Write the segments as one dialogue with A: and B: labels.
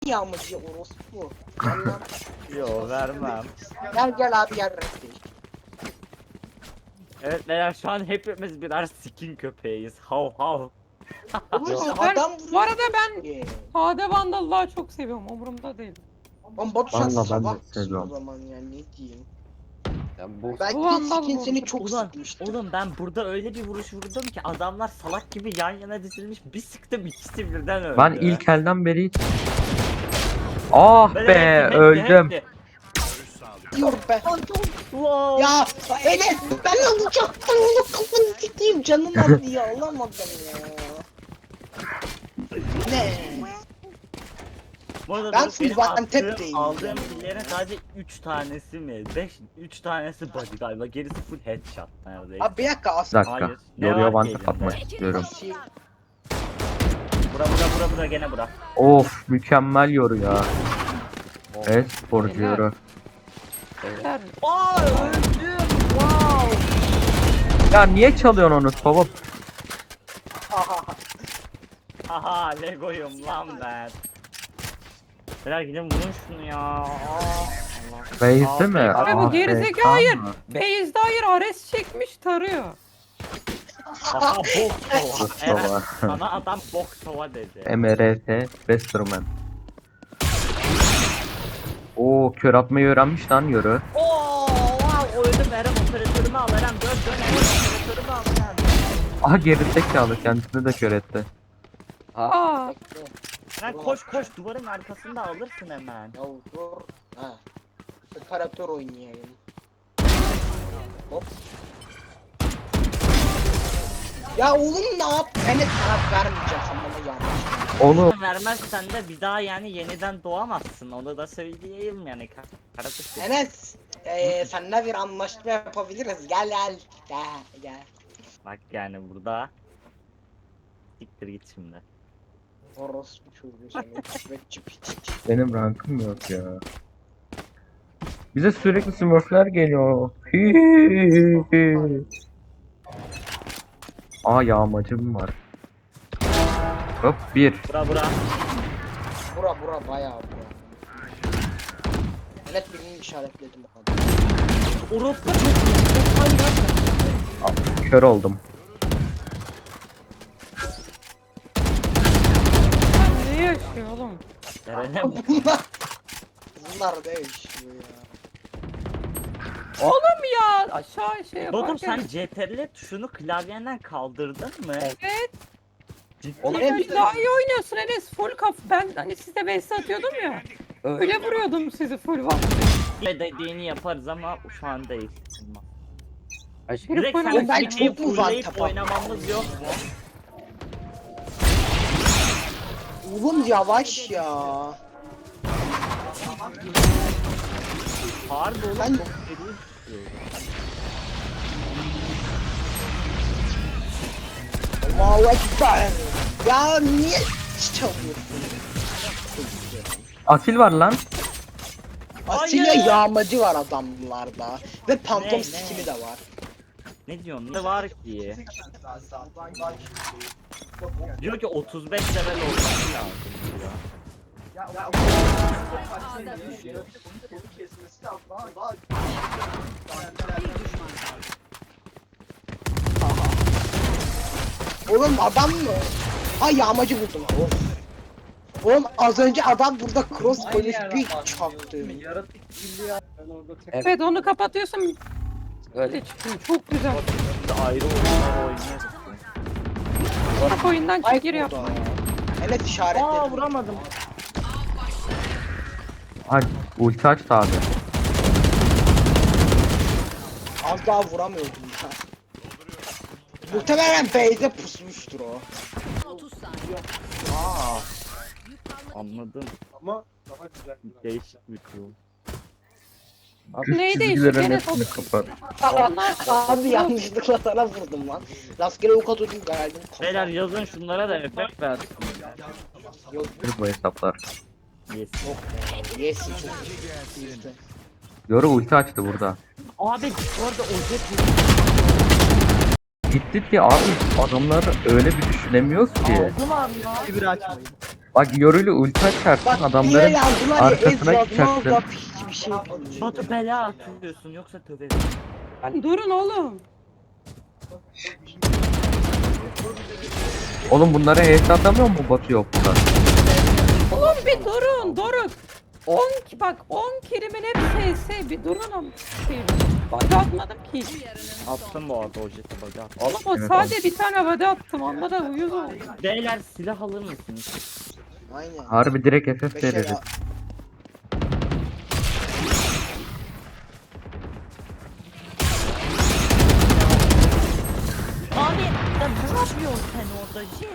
A: yağmacı orospu. Gel lan.
B: Yo vermem.
A: Gel abi gel renkli.
B: Evet beyler şu an hepimiz birer skin köpeğiyiz. Hav hav.
A: Oğlum
C: Ben-
A: adam
C: bu arada ben
A: vuruyor.
C: Sade Vandal'ı çok seviyorum. Umurumda değil.
A: Lan Batu sen
D: Vallahi ben de
A: salaksın o
D: seviyorum.
A: zaman ya ne diyeyim.
D: Bu
A: Belki
C: Bu
A: de
C: Vandal
A: skin
C: bu.
A: seni çok
B: Ulan,
A: sıkmıştı.
B: oğlum ben burada öyle bir vuruş vurdum ki adamlar salak gibi yan yana dizilmiş, bir sıktım ikisi birden öldü.
D: ben ilk elden beri ah
B: Böyle
D: be
B: hepsi,
D: öldüm.
B: hepsi.
A: Diyor be.
B: Wow.
A: Ya Enes ben alacaktım onu kafanı sikeyim canım aldı ya alamadım ya. Ne?
B: Bu arada
A: Ben
B: benim
A: full Antep
B: attığım,
A: değilim
B: aldığım
A: yani.
B: killerin sadece 3 tanesi mi? 3 tanesi body galiba, gerisi full headshot neredeyse.
A: Abi bir dakika
D: Bir
A: aslında.
D: dakika.
B: Hayır, ne
D: Yoruya
B: var
D: vantap
B: ki
D: atmak
B: elinde?
D: istiyorum.
B: Bura gene bura.
D: Of mükemmel yoru ya. Evet sporcu
C: Helal.
D: yoru.
C: Beyler,
B: Aa öldüm. Wow.
D: Ya niye çalıyorsun onu baba?
B: Haha Lego'yum lan ben. Beyler gidin vurun şunu ya. Aa, Allah.
D: Base'de mi?
C: Abi bu
D: Ah,
C: gerizekalı,
D: tamam
C: hayır.
D: mı?
C: Base'de hayır, Ares çekmiş tarıyor.
B: Haha bok sova. Evet,
D: Sova.
B: sana adam bok sova dedi.
D: MRT Westerman. Oo kör atmayı öğrenmiş lan yoru.
B: Oo wow öldüm Eren, operatörümü al Eren, dön Eren, operatörümü al Eren.
D: Aha gerizekalı kendisini de kör etti.
C: Aa,
B: Eren koş duvarın arkasında alırsın hemen.
A: Ya dur. Ha. Operatör oynayayım. Hop. Ya oğlum ne yap? Enes taraf vermeyeceğim sen bana yanlış.
D: Onu
B: Vermezsen de bir daha yani yeniden doğamazsın, onu da söyleyeyim yani. Kardeş.
A: Enes. Seninle bir anlaşma yapabiliriz. Gel.
B: Bak yani burada. Siktir git şimdi.
A: Orospu çocuğu seni. Küvetçi piç.
D: benim rankım yok ya. Bize sürekli smurfler geliyor. Aa yağmacım var. Hop bir.
B: Bura.
A: Bura bayağı bura. Enes birini işaretledim o kadar.
B: Orospu çok
D: Kör oldum.
C: ne yaşıyor oğlum?
B: Eren'e
A: Bunlar ne yaşıyor ya?
C: Oğlum ya aşağı şey
B: Oğlum
C: yaparken.
B: sen CTRL tuşunu klavyenden kaldırdın mı?
C: Evet.
B: Ciddi
A: Oğlum,
C: Sen
A: hep-
C: daha iyi oynuyorsun Enes. Full kaf. Ben hani size base atıyordum ya. Öyle vuruyordum sizi full vakti.
B: dediğini yaparız ama şu an değil.
C: Herif
B: Direkt
C: oynadı.
B: sen
A: Ben
B: Switch'i
A: çok mu var
B: fullleyip
A: kapat-
B: oynamamız yok mu?
A: Oğlum yavaş ya.
B: Harbi oğlum
A: Ben-
B: çok seri istiyorum.
A: Allahu Ekber. Ya niye çalıyorsun?
D: Asil var lan.
A: Asilya
B: Hayır.
A: yağmacı var adamlarda. Ve pantom
B: Ne?
A: skini de var.
B: Ne diyorsun? Ne var ki? Diyor ki 35 level olması lazım diyor.
A: Oğlum adam mı? Ha yağmacı buldum. Of. Oğlum az önce adam burada cross koymuş bir çaktı.
C: Evet onu kapatıyorsun. Öyle çıkıyor. Çok güzel.
B: Şimdi ayrı oyunlar oynuyoruz.
C: Bak oyundan
A: Ay
C: çık gir yap.
A: burada. Evet işaretledim.
B: Aa vuramadım.
D: Ay ulti açtı abi.
A: Az daha vuramıyordum ya. Muhtemelen base'e pusmuştur o.
B: Aa. Anladım. Ama daha güzel. Değişik bir kul.
D: Üst
C: Neyi
D: çizgilerin
C: değişik?
D: hepsini kapat.
C: Onlar
A: Abi yanlışlıkla sana vurdum lan. Rastgele ok atıyordum geldim.
B: Beyler yazın şunlara da efekt versin.
A: Yok
D: Bu hesaplar.
B: Yes.
A: yes çok iyi.
D: Yoru ulti açtı burada.
B: Abi bu arada ocak
D: Gitti ki abi adamlar öyle bir düşünemiyoruz ki.
B: aldılar ya.
E: Bir açmayın.
D: Bak Yorul'u ulti açarsın
A: Bak niye
D: adamların
A: yazdılar ya
D: arkasına
A: ez yazmaz
D: çıkacaksın.
A: da hiçbir şey bilmiyor.
B: Batu bela atıyorsun yoksa tövbe.
C: Hani durun oğlum.
D: Oğlum bunlara HS atamıyor mu Batu yok bunlar?
C: Oğlum bir durun Doruk. 10 bak 10 kelimin hep SS bir durun ama şey. Bak atmadım ki.
B: Attım bu arada o jeti bug'a.
C: Oğlum o
D: Evet,
C: sadece bir tane vade attım onda da uyuz oldu.
B: Beyler silah alır mısınız?
A: Aynen.
D: Harbi direkt FF
A: Beşer
D: veririz.
A: ya.
B: Abi ya ne yapıyorsun sen orada jet?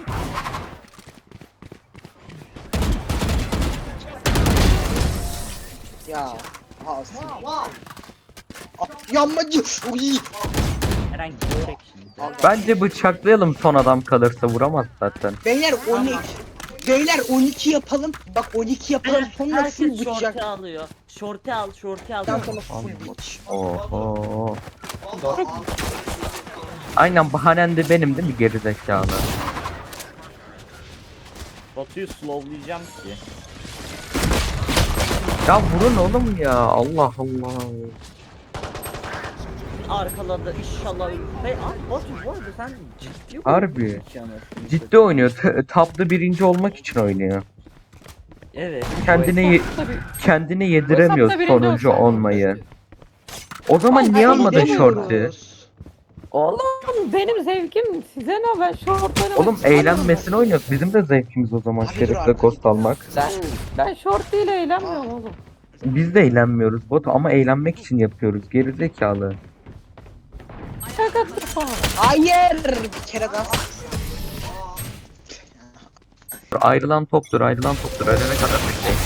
A: Ya. Alsın. Yanmacı. Uy.
B: Herhangi bir şimdi.
D: Bence bıçaklayalım son adam kalırsa vuramaz zaten.
A: Beyler 12. Beyler 12 yapalım. Bak 12 yapalım sonra full
B: Herkes
A: bıçak.
B: şortu alıyor. Şortu al, şortu al.
A: Ondan sonra full bıç.
D: Oho. Aynen bahanen de benim değil mi gerizekalı?
B: Batu'yu slowlayacağım ki.
D: Ya vurun oğlum ya Allah Allah.
B: Arkaladı inşallah. Hey abi Batu bu arada sen ciddi
D: Harbi.
B: oynuyorsun anasını
D: Ciddi oynuyor. Taplı birinci olmak için oynuyor.
B: Evet.
C: Tabii.
D: Kendine yediremiyor
C: Hesapta birinci
D: sonuncu
C: olsaydı.
D: olmayı. O zaman
A: Ay,
D: niye
A: ay,
D: almadın
A: demiyoruz.
D: şortu?
C: Oğlum benim zevkim size ne ben şortlarımı
D: Oğlum eğlenmesine oynuyoruz. Bizim de zevkimiz o zaman
A: Abi dur
D: Şerif'le
A: artık.
D: Ghost almak.
C: Ben şort ile eğlenmiyorum oğlum.
D: Biz de eğlenmiyoruz Batu ama eğlenmek için yapıyoruz. Gerizekalı.
C: Şakadır falan.
A: Hayır. Bir kere daha.
D: Ayrılan toptur, ayrılan toptur. Ölene kadar bekleyin.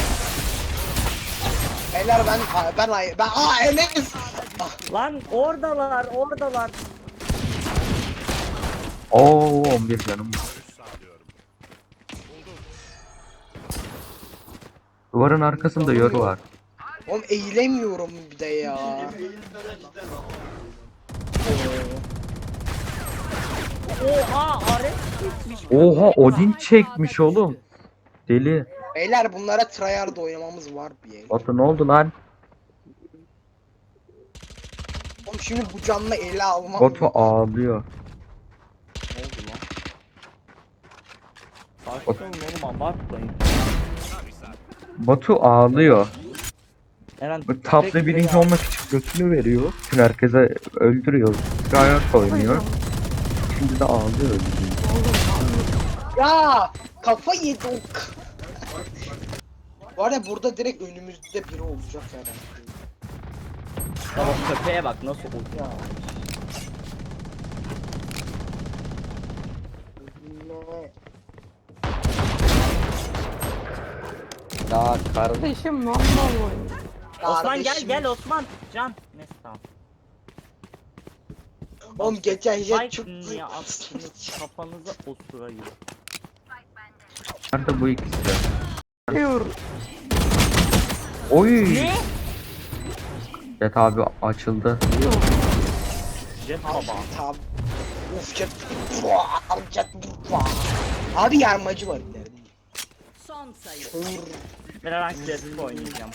A: Beyler ben Enes.
B: Lan oradalar, oradalar.
D: Oo 11 canım var. Duvarın arkasında yoru var.
A: Oğlum eğilemiyorum bir de ya.
B: Oha Ares gitmiş.
D: Oha Odin çekmiş oğlum. Deli.
A: Beyler bunlara tryhard oynamamız var bir yer.
D: Batu ne oldu lan?
A: Oğlum şimdi bu canla ele almam.
D: Batu ağlıyor.
A: Ne oldu lan?
B: Sakin olun oğlum abartmayın.
D: Batu ağlıyor.
B: Eren
D: Bu Taplı birinci olmak için götünü veriyor. Bütün herkese öldürüyor. Gayet oynuyor. Şimdi de ağlıyor.
A: Ya kafa yedi o. Var ya burada direkt önümüzde biri olacak herhalde.
B: Tamam köpeğe bak nasıl oluyor.
C: Ya kardeşim vallahi oynuyor.
B: Osman
A: Kardeşim.
B: gel Osman. Can. Neyse tamam.
A: Oğlum geçen jet çok
B: Spike niye attınız kafanıza osurayım.
D: Nerede bu ikisi?
C: Diyor.
D: Oy.
B: Ne?
D: Jet abi açıldı.
B: Jet baba.
A: Tamam. Uf jet. Jet. Abi yarmacı var ileride.
E: Son sayı.
B: Ben Jet oynayacağım.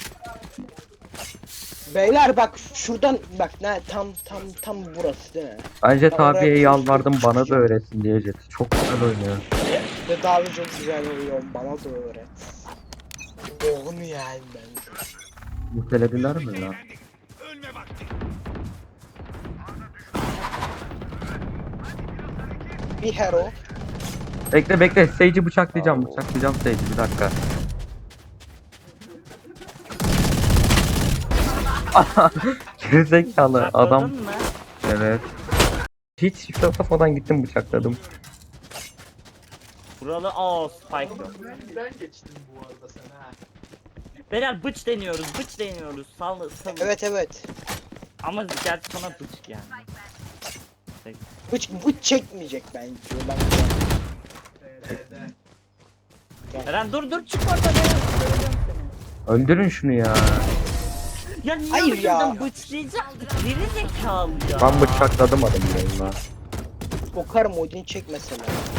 A: Beyler bak şuradan bak ne tam burası değil mi?
D: Ben Jet
A: Oraya
D: abiye
A: bir
D: yalvardım
A: çocuk
D: bana da
A: çıkıyor.
D: öğretsin diye Jet. Çok güzel oynuyor.
A: Ve daha çok güzel oluyor bana da öğret. Boğunu yani ben.
D: Mutelediler mi lan?
A: Bir hero.
D: Bekle bekle. Sage'i bıçaklayacağım. Bıçaklayacağım Sage'i bir dakika. Gerizekalı adam.
B: Sakladın mı?
D: Evet. Hiç şifre basmadan gittim bıçakladım.
B: Buralı Spike yok. Beyler bıç deniyoruz, bıç deniyoruz. Sal.
A: Evet.
B: Ama gerçi sana bıç yani.
A: Bu çekmeyecek bence.
B: Eren dur çık oradan ya. Öldüreceğim seni.
D: Öldürün şunu ya.
B: Ya niye
A: Hayır ya.
B: öldürdün bıçlayacak? Geri zekalı ya.
D: Ben bıçakladım adamı yayına.
A: Sokarım Odin çek mesela.